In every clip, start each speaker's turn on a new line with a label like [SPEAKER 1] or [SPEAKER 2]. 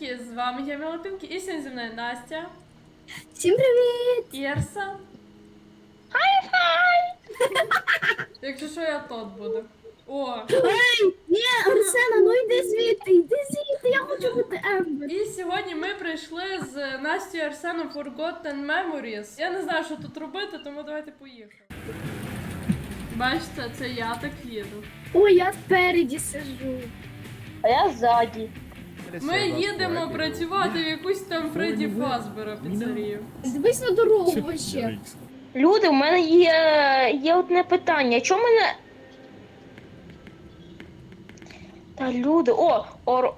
[SPEAKER 1] Привіточки, з вами я Мілопінки і сьогодні зі мною Настя.
[SPEAKER 2] Всім привіт!
[SPEAKER 1] І Арсен.
[SPEAKER 2] Хай-хай!
[SPEAKER 1] Якщо що, я тут буду. О!
[SPEAKER 2] Ей! Ні, Арсена, ну йди звідти, я хочу бути Ембер.
[SPEAKER 1] І сьогодні ми прийшли з Настю і Арсеном Forgotten Memories. Я не знаю, що тут робити, тому давайте поїхали. Бачите, це я так їду.
[SPEAKER 2] Ой, я спереді сижу.
[SPEAKER 3] А я ззаді.
[SPEAKER 1] Ми їдемо працювати в якусь там Фредді Фазбера піцерію.
[SPEAKER 2] Дивись на дорогу вообще.
[SPEAKER 3] Люди, у мене є одне питання. Чому мене. Та люди. О! Алло.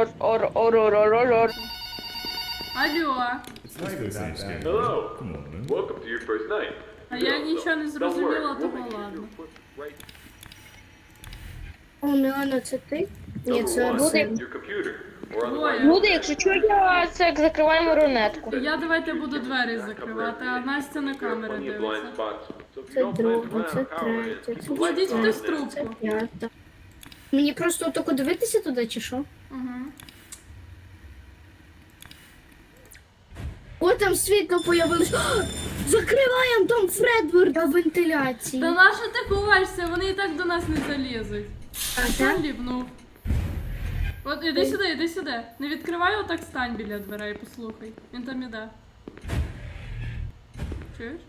[SPEAKER 4] Hello. Welcome to your first night.
[SPEAKER 1] А я нічого не зрозуміла, того ладно.
[SPEAKER 2] О, Мілана, це ти? Ні, це Арсен.
[SPEAKER 4] Your computer. Or on the
[SPEAKER 1] Двоє.
[SPEAKER 3] Люди, якщо чого, я це закриваємо рунетку.
[SPEAKER 1] Я давайте буду двері закривати, а Настя на камери
[SPEAKER 4] plenty of blind
[SPEAKER 1] дивиться.
[SPEAKER 4] spots. So if you
[SPEAKER 2] Це
[SPEAKER 4] don't plan to
[SPEAKER 2] друга,
[SPEAKER 4] run
[SPEAKER 2] це
[SPEAKER 4] out of power,
[SPEAKER 2] третя, це
[SPEAKER 1] Кладіть хтось
[SPEAKER 2] четверта, це
[SPEAKER 1] трубку.
[SPEAKER 2] п'ята. Мені просто отако дивитися туди, чи що?
[SPEAKER 1] Угу.
[SPEAKER 2] О, там світло появилось. О, закриваємо там Фредвард на вентиляції.
[SPEAKER 1] Та нащо ти ховаєшся? Вони і так до нас не залізуть.
[SPEAKER 2] А
[SPEAKER 1] Сам
[SPEAKER 2] так?
[SPEAKER 1] ліпнув. От іди сюди, іди сюди. Не відкривай, отак стань біля дверей, послухай. Він там іде. Чуєш?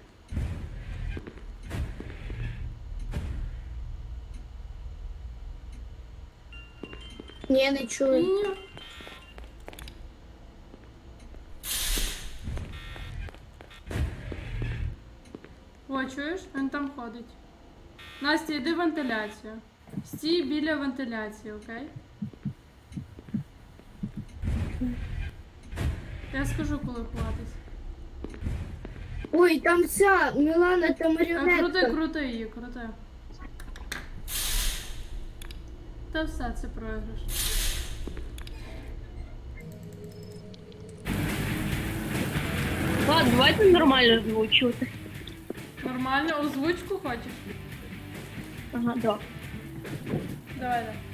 [SPEAKER 2] Ні, не чую.
[SPEAKER 1] Ні. О, чуєш? Він там ходить. Настя, йди в вентиляцію. Стій біля вентиляції, окей? Я скажу, коли ховатись.
[SPEAKER 2] Ой, там ця Мілана та
[SPEAKER 1] Крути,
[SPEAKER 2] маріонетка.
[SPEAKER 1] крути її, крути. Та все, це програш.
[SPEAKER 3] Ладно, давайте нормально звучути.
[SPEAKER 1] Нормально, озвучку хочеш?
[SPEAKER 3] Ага, да.
[SPEAKER 1] Давай, давай.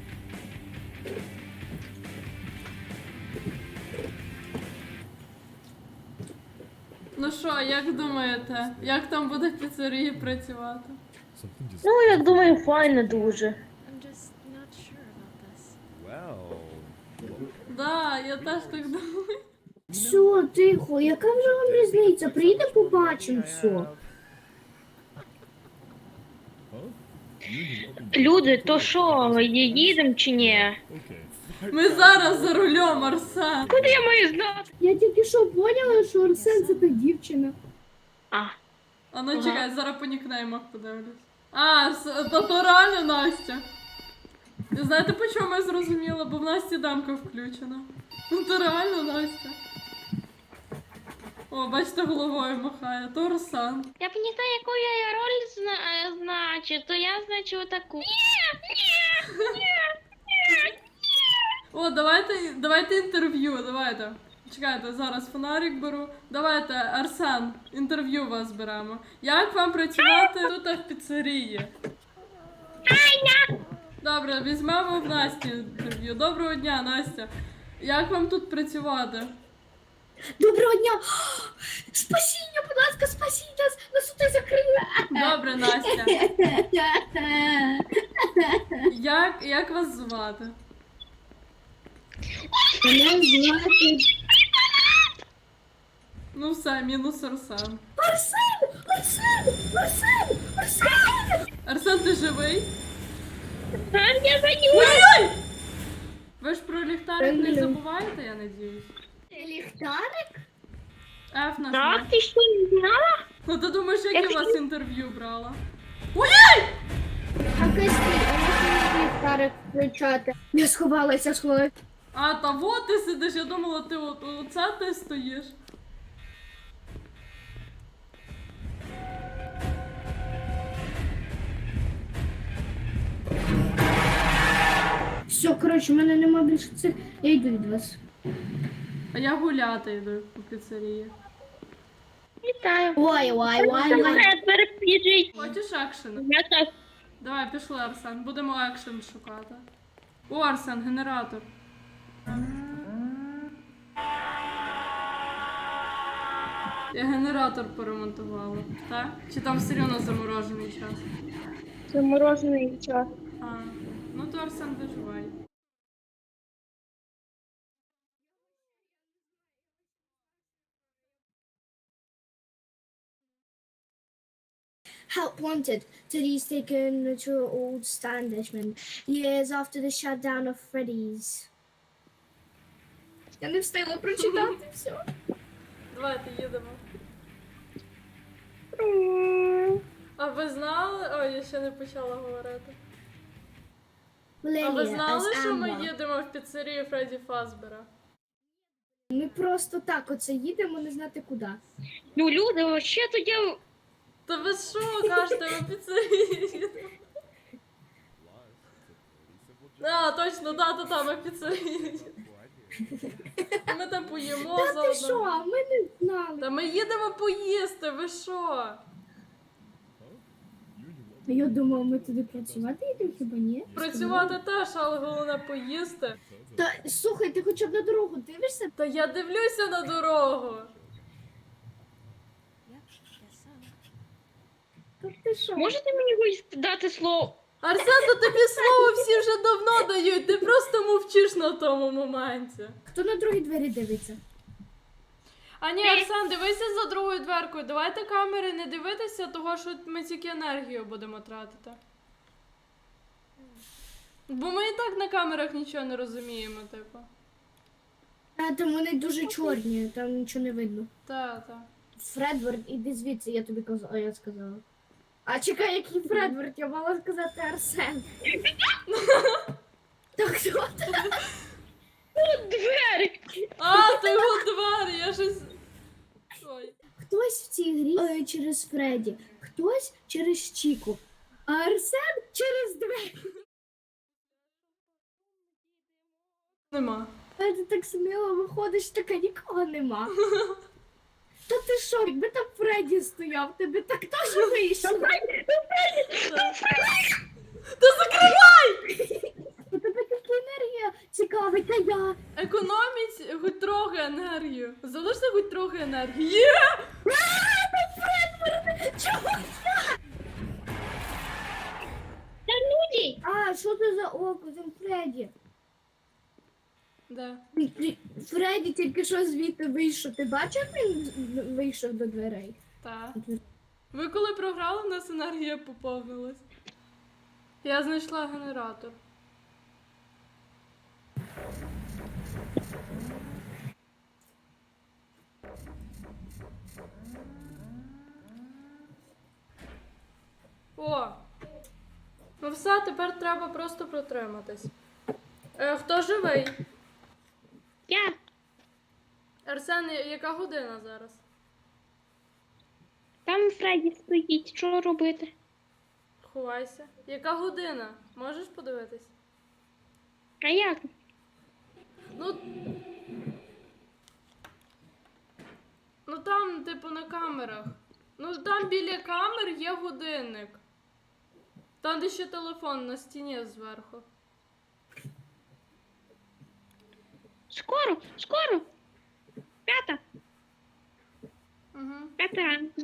[SPEAKER 1] Ну що, як думаєте, як там буде в піцерії працювати?
[SPEAKER 3] Ну, я думаю, файно дуже.
[SPEAKER 5] I'm just not sure about this.
[SPEAKER 1] Да, я теж так думаю.
[SPEAKER 2] Все, тихо, яка вже вам різниця? Прийде, побачимо все.
[SPEAKER 3] Люди, то що, їдемо чи ні?
[SPEAKER 1] Ми зараз за рулем, Арсен.
[SPEAKER 3] Куди я маю знати?
[SPEAKER 2] Я тільки що поняла, що Арсен це та дівчина.
[SPEAKER 3] А,
[SPEAKER 1] А ну чекай, зараз по нікнеймах подивлюсь. А, то реально Настя. І знаєте, по чому я зрозуміла? Бо в Насті дамка включена. Ну то реально Настя. О, бачите, головою махає, то Арсен.
[SPEAKER 3] я б не знаю, яку я роль значу, то я значу таку.
[SPEAKER 1] О, давайте інтерв'ю, давайте. Чекайте, зараз фонарик беру. Давайте, Арсен, інтерв'ю вас беремо. Як вам працювати тут в піцерії? Добре, візьмемо в Насті інтерв'ю. Доброго дня, Настя. Як вам тут працювати?
[SPEAKER 2] Доброго дня! Спасіння, будь ласка, спасіть нас! Нас тут закрили!
[SPEAKER 1] Добре, Настя. Як вас звати?
[SPEAKER 2] Мене звати
[SPEAKER 1] Ну все, мінус Арсен.
[SPEAKER 2] Арсен! Арсен! Арсен! Арсен!
[SPEAKER 1] Арсен, ти живий?
[SPEAKER 3] Я заню.
[SPEAKER 1] Ой-ой! Ви ж про ліхтарик не забуваєте, я надіюсь?
[SPEAKER 2] Ліхтарик?
[SPEAKER 1] Ф нажми.
[SPEAKER 3] Так, ти що не знала?
[SPEAKER 1] Ну ти думаєш, як я
[SPEAKER 3] Якщо-
[SPEAKER 1] вас інтерв'ю брала?
[SPEAKER 2] А Костій, а можна ліхтарик включати? Я сховалася, сховалася.
[SPEAKER 1] А, та вот ти сидиш, я думала, ти оце ти стоїш.
[SPEAKER 2] Все, коротше, в мене нема більше цих. Я йду від вас.
[SPEAKER 1] А я гуляти йду по піцерії.
[SPEAKER 3] Вітаю.
[SPEAKER 2] Ой.
[SPEAKER 3] Біжить.
[SPEAKER 1] Хочеш екшен?
[SPEAKER 3] Я так.
[SPEAKER 1] Давай, пішли, Арсен, будемо екшен шукати. О, Арсен, генератор. Я генератор поремонтувала, так? Чи там все одно заморожений час?
[SPEAKER 2] Заморожений час.
[SPEAKER 1] А, ну то Арсен виживай.
[SPEAKER 2] Help wanted. Teddy's taken to old establishment years after the shutdown of Freddy's. Я не встигла прочитати все.
[SPEAKER 1] Давайте їдемо. А ви знали? Ой, я ще не почала говорити. А ви знали, що ми їдемо в піцерію Фредді Фазбера?
[SPEAKER 2] Ми просто так оце їдемо, не знати куди.
[SPEAKER 3] Ну, люди, вообще тоді...
[SPEAKER 1] Та ви що кажете, ми в піцерію їдемо? А, точно, та, ми в піцерію їдемо. Ми там поїмо
[SPEAKER 2] Та ти що?
[SPEAKER 1] заодно.
[SPEAKER 2] Ми не знали.
[SPEAKER 1] Та ми їдемо поїсти, ви що?
[SPEAKER 2] Я думала, ми туди працювати їдемо, хіба ні?
[SPEAKER 1] Працювати теж, але головне поїсти.
[SPEAKER 2] Та слухай, ти хоча б на дорогу дивишся?
[SPEAKER 1] Та я дивлюся на дорогу.
[SPEAKER 2] Та ти що?
[SPEAKER 3] Можете мені хоч дати слово?
[SPEAKER 1] Арсен, то тобі слово всі вже давно дають, ти просто мовчиш на тому моменті.
[SPEAKER 2] Хто на другі двері дивиться?
[SPEAKER 1] А ні, Арсен, дивися за другою дверкою. Давайте камери не дивитися, того що ми тільки енергію будемо тратити. Бо ми і так на камерах нічого не розуміємо, типу.
[SPEAKER 2] А там вони дуже чорні, там нічого не видно.
[SPEAKER 1] Та.
[SPEAKER 2] Фредвард, іди звідси, я тобі казала, я сказала. А чекай, який Фредвард, я мала сказати Арсен. Та хто це?
[SPEAKER 3] Двері!
[SPEAKER 1] А, то його двері, я щось... Ой.
[SPEAKER 2] Хтось в цій грі через Фредді, хтось через Чіку, а Арсен через двері.
[SPEAKER 1] Нема.
[SPEAKER 2] А ти так сміло виходиш, така нікого нема. Та ти що, якби там Фредді стояв, тебе так теж вийшло.
[SPEAKER 1] Та закривай!
[SPEAKER 2] У тебе така енергія цікавить, а я.
[SPEAKER 1] Економіть хоч трохи енергію. Залиште хоч трохи енергії. Є!
[SPEAKER 2] Чого?
[SPEAKER 3] Та люди!
[SPEAKER 2] А, що це за око, там Фредді?
[SPEAKER 1] Де?
[SPEAKER 2] Фредді тільки що звідти вийшов. Ти бачив, як він вийшов до дверей?
[SPEAKER 1] Так. Ви коли програли, в нас енергія поповнилась. Я знайшла генератор. О! Ну все, тепер треба просто протриматись. Хто живий?
[SPEAKER 3] Я!
[SPEAKER 1] Арсен, яка година зараз?
[SPEAKER 3] Там Фредді стоїть, що робити?
[SPEAKER 1] Ховайся. Яка година? Можеш подивитись?
[SPEAKER 3] А як?
[SPEAKER 1] Ну. Ну там, типу, на камерах. Ну там біля камер є годинник. Там де ще телефон на стіні зверху.
[SPEAKER 3] Скоро, скоро! П'ята,
[SPEAKER 1] Угу.
[SPEAKER 3] п'ята ранку.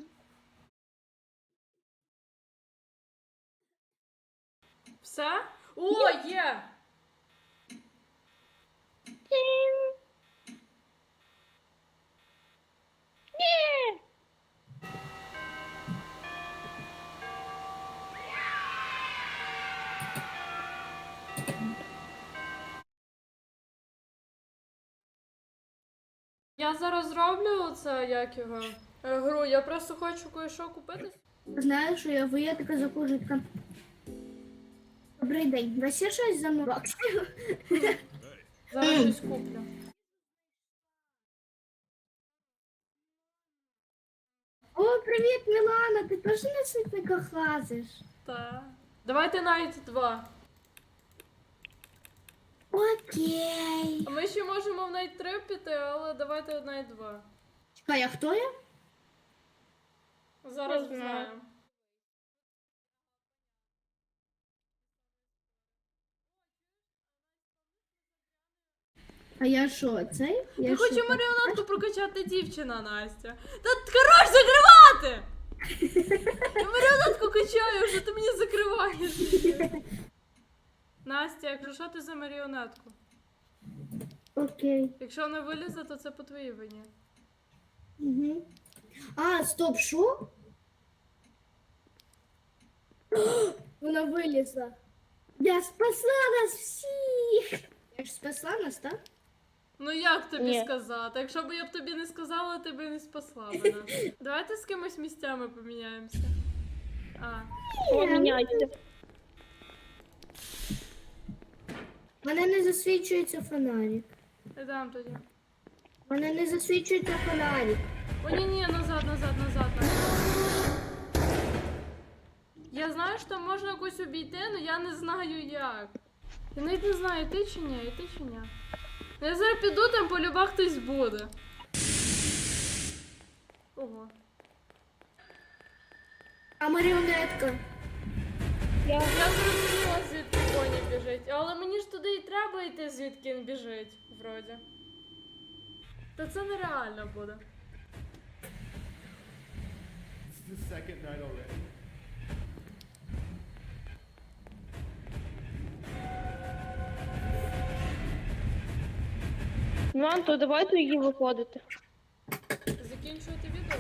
[SPEAKER 1] Все? О, є!
[SPEAKER 3] Ні!
[SPEAKER 1] Я зараз зроблю це, як його, гру. Я просто хочу кое-що купити.
[SPEAKER 2] Знаєш, що я така заходжу, така... Добрий день, у вас є щось за баксів?
[SPEAKER 1] Зараз щось куплю.
[SPEAKER 2] О, привіт, Мілана, ти теж на світниках лазиш?
[SPEAKER 1] Так. Давайте навіть 2.
[SPEAKER 2] Окей.
[SPEAKER 1] А ми ще можемо в навіть 3 піти, але давайте навіть 2.
[SPEAKER 2] Чекай, а хто я?
[SPEAKER 1] Зараз
[SPEAKER 3] Не знаю.
[SPEAKER 1] знаємо.
[SPEAKER 2] А я що, цей?
[SPEAKER 1] Я
[SPEAKER 2] Я
[SPEAKER 1] хочу
[SPEAKER 2] що,
[SPEAKER 1] маріонетку прокачати дівчина, Настя. Та хорош закривати! Я маріонетку качаю, вже ти мені закриваєш. Настя, якщо що, ти за маріонетку.
[SPEAKER 2] Окей.
[SPEAKER 1] Якщо вона вилізе, то це по твоїй вині.
[SPEAKER 2] Угу. А, стоп, що? Вона вилізла. Я спасла нас всіх! Я ж спасла нас, так?
[SPEAKER 1] Ну як тобі
[SPEAKER 3] Ні.
[SPEAKER 1] сказати? Якщо б я б тобі не сказала, ти б не спасла б нас. Давайте з кимось місцями поміняємося. А,
[SPEAKER 3] Поміняйте.
[SPEAKER 2] Мене не засвічується фонарик.
[SPEAKER 1] йдемо тоді.
[SPEAKER 2] Мене не засвічується фонарик.
[SPEAKER 1] О, ні, назад. Я знаю, що можна якось обійти, але я не знаю як. Я навіть не знаю, йти чи ні. Ну, я зараз піду, там по любах хтось буде. Ого.
[SPEAKER 2] А маріонетка?
[SPEAKER 1] Я зрозуміла, звідки коні біжить. Але мені ж туди і треба йти, звідки він біжить, вроді. Та це нереально буде.
[SPEAKER 6] It's the second night already.
[SPEAKER 3] Ну, Анто, давайте її виходити.
[SPEAKER 1] Закінчувати відео?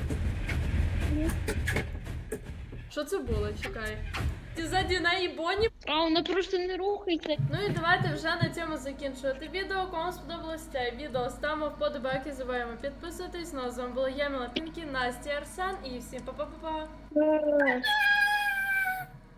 [SPEAKER 1] Що це було? Чекай. Ти ззаді неї Бонні?
[SPEAKER 3] А, вона просто не рухається.
[SPEAKER 1] Ну і давайте вже на цьому закінчувати відео. Кому вам сподобалось це відео, ставимо вподобайки, забуваємо підписуватись. Ну а з вами була я, Міла Пінкі, Настя, Арсен і всім па-па-па-па.